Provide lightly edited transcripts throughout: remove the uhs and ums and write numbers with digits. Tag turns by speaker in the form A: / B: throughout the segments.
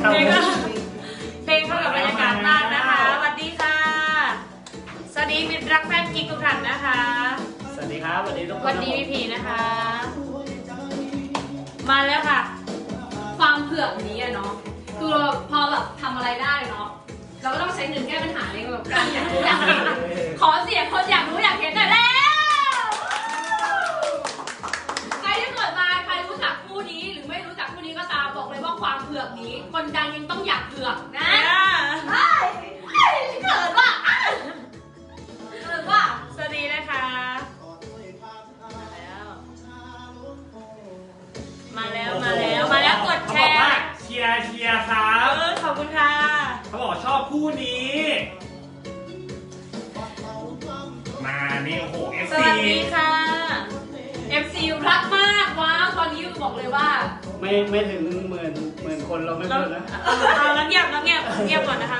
A: เข้า
B: เพลงเข้ากับบรรยากาศมากนะคะสวัสดีค่ะสวัสดีมิตรรักแฟนกิ๊กทุกท่านนะคะ
A: สวัสดีครับสวัสดีทุกคน
B: สวัสดีพี่พีนะคะมาแล้วค่ะ
C: ความเผือกนี้อะเนาะคือพอแบบทำอะไรได้เนาะเราก็ต้องใช้เงินแก้ปัญหาในแบบการอยากรู้อยากเห็นขอเสียงคนอยากรู้อยากเห็นหน่อยแล้วใครที่เกิดมาใครรู้จักคู่นี้หรือไม่รู้จักคู่นี้ก็ตามบอกเลยว่าความเผือกนี้คนดังยังต้องอยากเผือกนะเกิดว่า
B: สวัสดีนะคะมาแล้วกดแชร์
A: เชียร์ครับ
B: ขอบคุณค่ะ
A: เขาบอกชอบคู่นี้มานี่โอ้โห FC
B: สวัสดีค่ะ
C: FC รักมากว้าวตอนนี้บอกเลยว่า
A: ไม่ถึงหมื่นคนเราไม่พูดนะ
B: แล้วเงียบก่อนนะคะ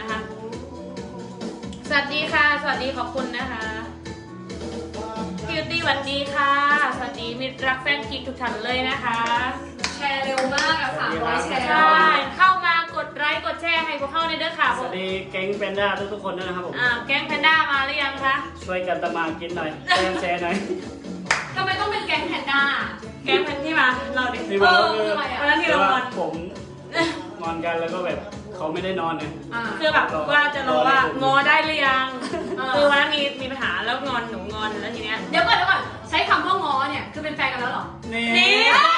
B: สวัสดีค่ะสวัสดีขอบคุณนะคะคิวตี้สวัสดีค่ะสวัสดีมิตรรักแฟนกิ๊กทุกท่านเลยนะคะ
C: แชร์เร็วมากอะ300แชร์
B: ใช่เข้ามากดไลค์กดแชร์ให้พวกเข้าในเด้อค่ะ
A: สวัสดีแก๊งแพนด้าทุกคนด้วยนะครับผม
B: แก๊งแพนด้ามาหรือยังคะ
A: ช่วยกันตะมากินหน่อยแชร์หน่อย
C: ทำไมต้องเป็นแก๊งแพนด้า
B: แก๊งแพนที่มาเราดิวันนั้นที่เรา
A: ผมนอนกันแล้วก็แบบเขาไม่ได้นอนเลย
B: คือแบบว่าจะรอว่างอได้หรือยังคือวันนั้นมีปัญหาแล้วงอนหนูงอนแล้วทีเนี้ย
C: เดี๋ยวก่อนใช้คำว่างอเนี่ยคือเป็นแฟนกันแล้วหรอ
A: นี่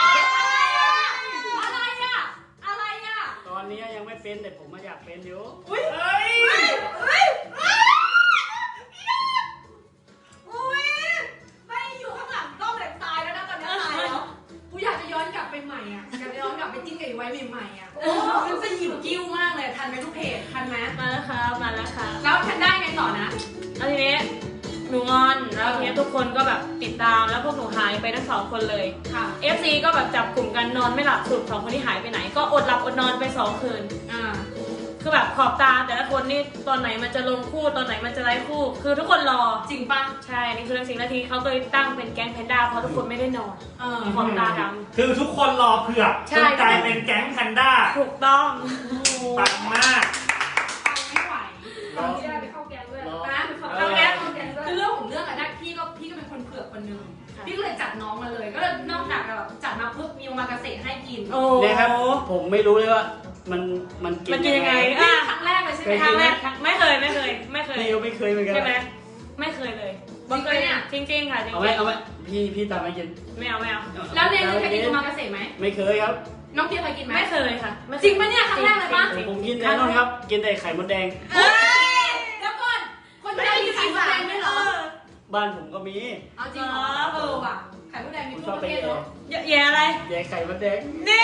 C: อะไรอะ
A: ตอนนี้ยังไม่เป็นแต่ผมมาอยากเป็นอยู่
C: ไม่อยู่ข้างหลังกล้องเลยตายแล้วนะตอนนี้ตายแล้วกูอยากจะย้อนกลับไปใหม่อ่ะอยากจะย้อนกลับไปจิ้นกับไอ้ไว้ใหม่ๆอ่ะมันจะหิวกิ้วมากเลยทันไหมทุกเพจทันไหม
B: มาแล้วค่ะ
C: แล้วทันได้ไงต่อนะ
B: แล้วทีนี้หนูงอนแล้วทีนี้ทุกคนก็แบบติดตามแล้วพวกหนูหายไปทั้ง2 คนเลย
C: ค่ะ
B: FC ก็แบบจับกลุ่มกันนอนไม่หลับสุด2 คนที่หายไปไหนก็อดหลับอดนอนไป2 คืนคือแบบขอบตาแต่ละคนนี่ตอนไหนมันจะลงคู่ตอนไหนมันจะไล่คู่คือทุกคนรอ
C: จริงปะ
B: ใช่นี่คือเรื่องจริงแล้วทีเขาก็เลยตั้งเป็นแก๊งแพนด้าเพราะทุกคนไม่ได้นอนขอบตาดำ
A: คือทุกคนรอเผือกจนกลายเป็นแก๊งแพนด้า
B: ถูกต้อง
A: ปังมาก
C: ไม่ไหวเราไม่ได้ไปเข้าแก๊งด้วยนะเข้าแก๊งคือเรื่องของเรื่องอะนะพี่ก็เป็นคนเผือกคนนึงพี่ก็เลยจัดน้องมาเลยก็เลยนอกจากแบบจัดมาเพื่อมีโอมากาเสะให้กิน
A: เนี่ยครับผมไม่รู้เลยว่ามันกิน
B: ยังไง
C: ครั้งแรกเลยใช่ไหม
B: ครั้งแรกไม่เคย
A: ไม่เคยเหมือนกัน
B: ใช่ไหมไม่เคยเลย
C: บังเอิญเนี่ย
B: จริงๆค่ะจริงๆ
A: เอาไหมพี่ตามมากิน
B: ไม่เอา
C: แล้วเนยเคยกินโอมากาเสะไหม
A: ไม่เคยครับ
C: น้องเพียเคยกินไหม
B: ไม่เคยค่ะ
C: จริงปะเนี่ยครั้งแรกเลยปะ
A: ผมกินแต่นั่นครับกินแต่ไข่มดแดง
C: แล้วก่อนคนไทยมีไข่มดแดงด้วยเหรอ
A: บ้านผมก็มี
C: เอาจริงเหรอว่ะไข่มดแดงมีทุกประเภทเนาะ
B: แย่อะไร
A: แย่ไข่มดแดง
B: นี่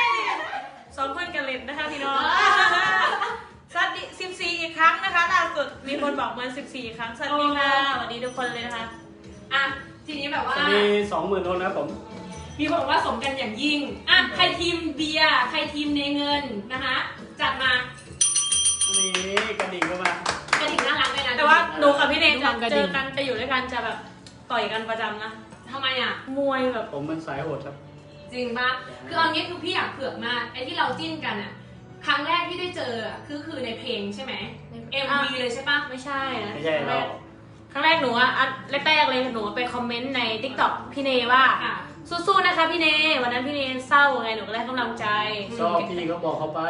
B: 2 คนกันเล่นนะคะพี่น้องสวัสดี14 อีกครั้งนะคะล่าสุดมีคนบอกมัน14 ครั้งสวัสดีค่ะสวัสดีทุกคนเลยนะคะ
C: ทีนี้แบบว่า
A: สวัสดี20,000 คนนะผม
C: มีคนบอกว่าสมกันอย่างยิ่งใครทีมเบียร์ใครทีมเนเงินนะคะจัดมา
A: นี่กระดิ่งก็มาก
C: ระดิ่งน่ารักเลยนะ
B: แต่ว่าหนูกับพี่เนยจะเจอกันจะอยู่ด้วยกันจะแบบต่อยกันประจำนะ
C: ทำไม
B: มวยแบบ
A: ผมมันสายโหดครับ
C: จริงปะคือเอางี้คือพี่อยากเผือกมากไอ้ที่เราจิ้นกันครั้งแรกที่ได้เจอคือในเพลงใช่ไหม MV เลยใช่ปะ
A: ไม่ใช่
B: เราครั้งแรกหนูแรกเลยหนูไปคอมเมนต์ใน TikTok พี่เนว่าสู้ๆนะคะพี่เนวันนั้นพี่เนเศร้าไงหนูก็ได้กำลังใจ
A: ชอบพี่ก็บอกเขาไป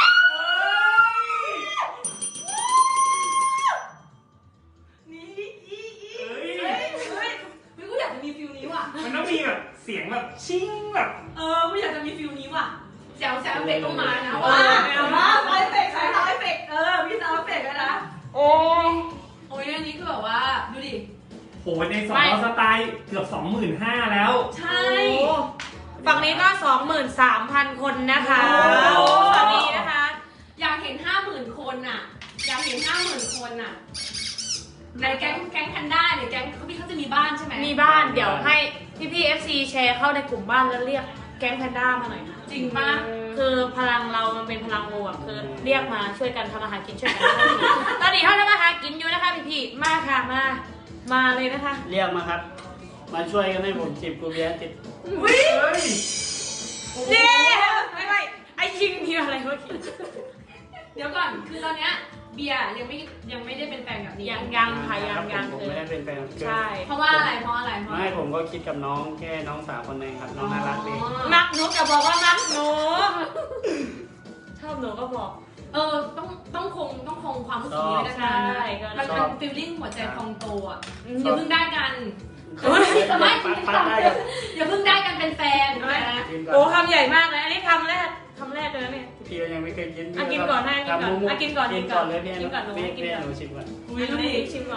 C: ไม่กูอยากจะมีฟิลนี้ว่ะ
A: มันต้องมีแบบเสียงแบบชิ้งแบบ
C: กูอยากจะมีฟิลนี้ว่ะแซวเอฟเฟกต์ต้องมานะว่าซาวเอฟเฟกต์ใช้ซาวเอฟเฟกต์มีซาวเอฟเฟกต์แล้วนะโอ้ยอันนี้คือแบบว่าดูดิ
A: โหใน2สไตล์เกือบ 25,000 แล้ว
C: ใช่
B: ฝั่งนี้ก็ 23,000 คนนะคะสวัสดีนะคะ
C: อยากเห็น 50,000 คนอยากเห็น 50,000 คนในแก๊งแพนด้าเนี่ยแก๊งเขาจะมีบ้านใช่ไหม
B: มีบ้านเดี๋ยวให้พี่ FC แชร์เข้าในกลุ่มบ้านแล้วเรียกแก๊งแพนด้ามาหน่อย
C: จริงป่ะ
B: คือพลังเรามันเป็นพลังบวกคือเรียกมาช่วยกันทำอาหารกินช่วยกันตอนนี้เขาทำอาหารกินอยู่นะคะพี่มาค่ะมาเลยนะคะ
A: เรียกมาครับมาช่วยกันให้ผมจิบกูเบียร์ติด
B: นี่ไม่ไออ้ยิงมีอะไรเมื่อกี้
C: เดี๋ยวก่อนคือตอนเนี้ยเบียร์ยังไม่ได้เป็นแฟนกับนี้
B: ยังค่ะยัง
A: ผมไม่ได้เป็นแฟนกับ
B: ใช่
C: เพราะว่าอะไร
A: ไม่ผมก็คิดกับน้องแค่น้องสาวคนหนึงครับน้องน่ารักดี
B: มักหนูอย่าบอกว่ามักหนูชอบหนูก็บอก
C: ต้องคงความรู้สึกนี้ไว้นานๆ
B: ใช่ก็
C: มันเป็นฟีลลิ่งหัวใจพองโตอ่ะ
B: อ
C: อย่าเพิ่งได้กัน
A: ไม่ได้กับ
C: อย่าเพิ่งได้กันเป็นแฟนนะ
A: กิน
B: โอ้
A: ก่อน
B: คำใหญ่มากเลยอันนี้คำแรกเลยนะเนี่ย
A: พี่ก็ยังไม่เคยกิน
B: กินก่อนให้กินก่อน
A: กินก่อน
B: กิ
A: กิ
B: น
A: น
B: ก่
A: ก่
B: อ
A: อน นเลยพี่
B: กินก่อนหนู
A: พี่
B: กินก่อน
A: หนูชิมก่อน
B: อุ้ยนี่ชิมหน่อย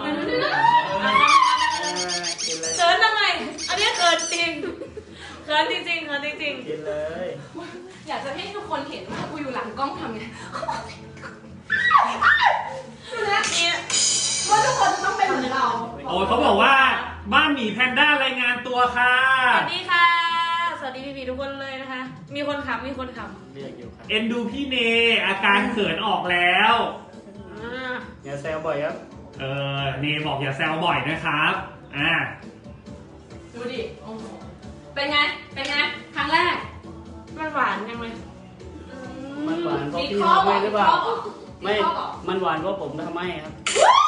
A: กินเลย
B: เขินทำไมอันนี้เขินจริงเขินจริง
A: กินเลย
C: อยากจะให้ทุกคนเห็นว่ากูอยู่หลังกล้องทำไง
B: นี่
C: ว่าทุกคนต้องเป็นเหมือนเรา
D: โอ้ยเขาบอกว่าบ้านหมีแพนด้ารายงานตัวค่ะ
B: สวัสดีค่ะ สวัสดีพี่ๆทุกคนเลยนะคะ มีคนขำ
A: เรียกอยู่ครับ
D: เอ็นดูพี่เนอาการเขินออกแล้ว
A: อย่าแซวบ่อยครับ
D: เนบอกอย่าแซวบ่อยนะครับ
C: ดูดิโอ้โหเป็นไงครั้งแรก
B: มันหวานยังเลย
A: มันหวานเพราะ
C: มี
A: พี่
C: ข้อ
A: ทำ
C: บอ
A: ให้
C: ก
A: หรือเปล่า ไม่
C: ข้อบอก
A: มันหวานเพราะผมทำให้ครับ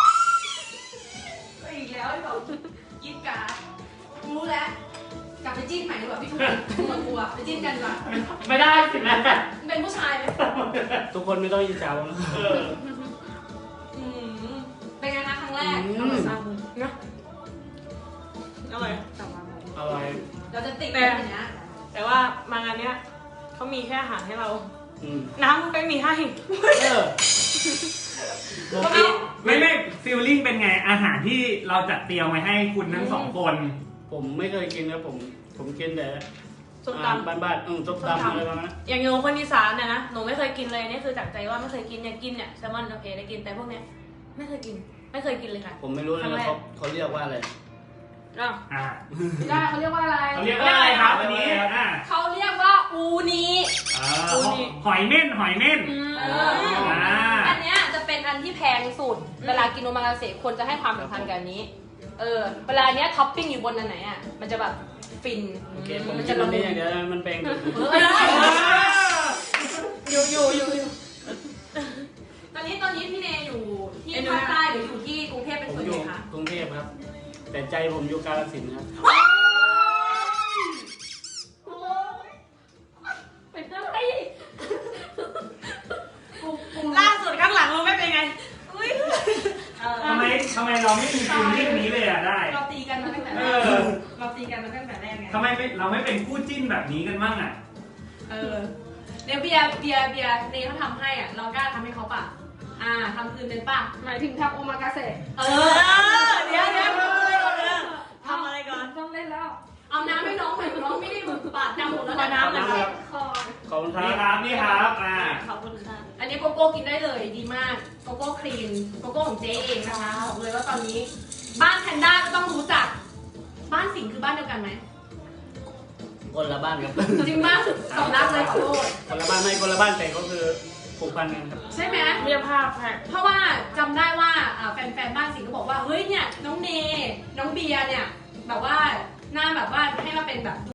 C: อีกแล้วไอ้บอกยิดการ์ดรู้แล้ว กลับไปจิ้นใหม่ดีกว่าพี่ทุกคนมันกลัวไปจิ้นกันดีกว่า
A: ไม่ได้สินะ
C: เป็นผู้ชายไหม
A: ทุกคนไม่ต้องยินเจ้านะ
C: อืมเป็นไงคะครั้งแรก
B: นะอะไร
A: อะไร
C: เราจะติดกันอย่างเงี้ย
B: แต่ว่ามางานเนี้ยเขามีแค่อาหารให้เรา
A: อืม
B: น้ำไม่มีให้
A: เออ
D: ไม่ฟีลลิ่งเป็นไงอาหารที่เราจัดเตรียมไว้ให้คุณทั้งสองคน
A: ผมไม่เคยกินนะผมกินแต่
B: ส้มตำ
A: บ้านๆส้มตำอะไรประมาณนั้น
B: อย่างโยคนอีสานเนี่ยนะ หนูไม่เคยกินเลยนี่คือจากใจว่าไม่เคยกินอยากกินเนี่ยแซลมอนโอเคได้กินแต่พวกเนี้ยไม่เคยกินเลยค่ะ
A: ผมไม่รู้เลยเขาเรียกว่าอะไร
B: อ้าว
C: ไม่ได้เขาเรียกว่าอะไร
D: เขาเรียกว่าอะไรครับอันนี้
C: เขาเรียกว่าอูนี
D: หอยเม่น
C: อันเนี้ยจะเป็นอันที่แพงสุด เวลากินโอมากาเสะคนจะให้ความสำคัญกับอันนี้ เวลาเนี้ยท็อปปิ้งอยู่บนอันไหนอ่ะ มันจะแบบฟิน
A: โอเคผมกินอันนี้อย่างเดียวมันเป็น
B: อยู่
C: ตอนนี้พี่เนยอยู่ที่ภาคใต้หรืออยู่ที่กรุงเทพเป็น
A: ผม
C: ส่วน
A: อ
C: ให
A: ยู่
C: ญ่คะ
A: กรุงเทพครับ แต่ใจผมอยู่กาฬสินธุ์ครับ
C: เป็นอะไร
B: ล่าสุดข้างหลังเราไม่เป็นไงอุ้ย
D: ทำไมเราไม่มีฟีลลิ่งนี้เลยได้
C: เราตีกันมาตั้งแต่แร
D: เอก อ
C: เราตีกันมาตั้งแต่แรกไง
D: ทำไมเราไม่เป็นคู่จิ้นแบบนี้กันบ้างอ่ะ
C: เดี๋ยวเบียร์เนยเขาทำให้อ่ะ เรากล้าทำให้เขาป่ะ ทำคืนเป็นป่ะ
E: หมายถึงทำโอมากาเสะ
B: เดี๋ยวทำอะไรก่อน
E: ต้องเล่นแล้ว
C: เอาน้ำให้น้องหน่อยน้องไม่ได้มือปาดน้ำหมดแล้ว
B: ขอ
C: นะ
B: น้ำหน่อยครับ
E: คอ
A: ขอบคุณค
D: นี่ค
A: รั
D: รั
A: บบ
D: นี่ครับ
B: ขอบคุณค่ะ
C: อันนี้โกโก้กินได้เลยดีมาก โกโก้ครีม โกโก้ของเจ๊เองนะคะบอกเลยว่าตอนนี้ บ้านแพนด้าก็ต้องรู้จัก บ้านสิงห์คือบ้านเดียวกันไหม
A: คนละบ้านครับ
C: จริงป่ะสำนักเลยขอโทษ
A: คนละบ้านไม่คนละบ้านแต่ก็คือผูกพันกันครับ
C: ใช่ไหม
B: เรียกภาพค่ะ
C: เพราะว่าจำได้ว่าแฟนๆบ้านสิงห์ก็บอกว่าเฮ้ยเนี่ยน้องเนน้องเบียร์เนี่ยแบบว่าหน้าแบบว่าให้มาเป็นแบบ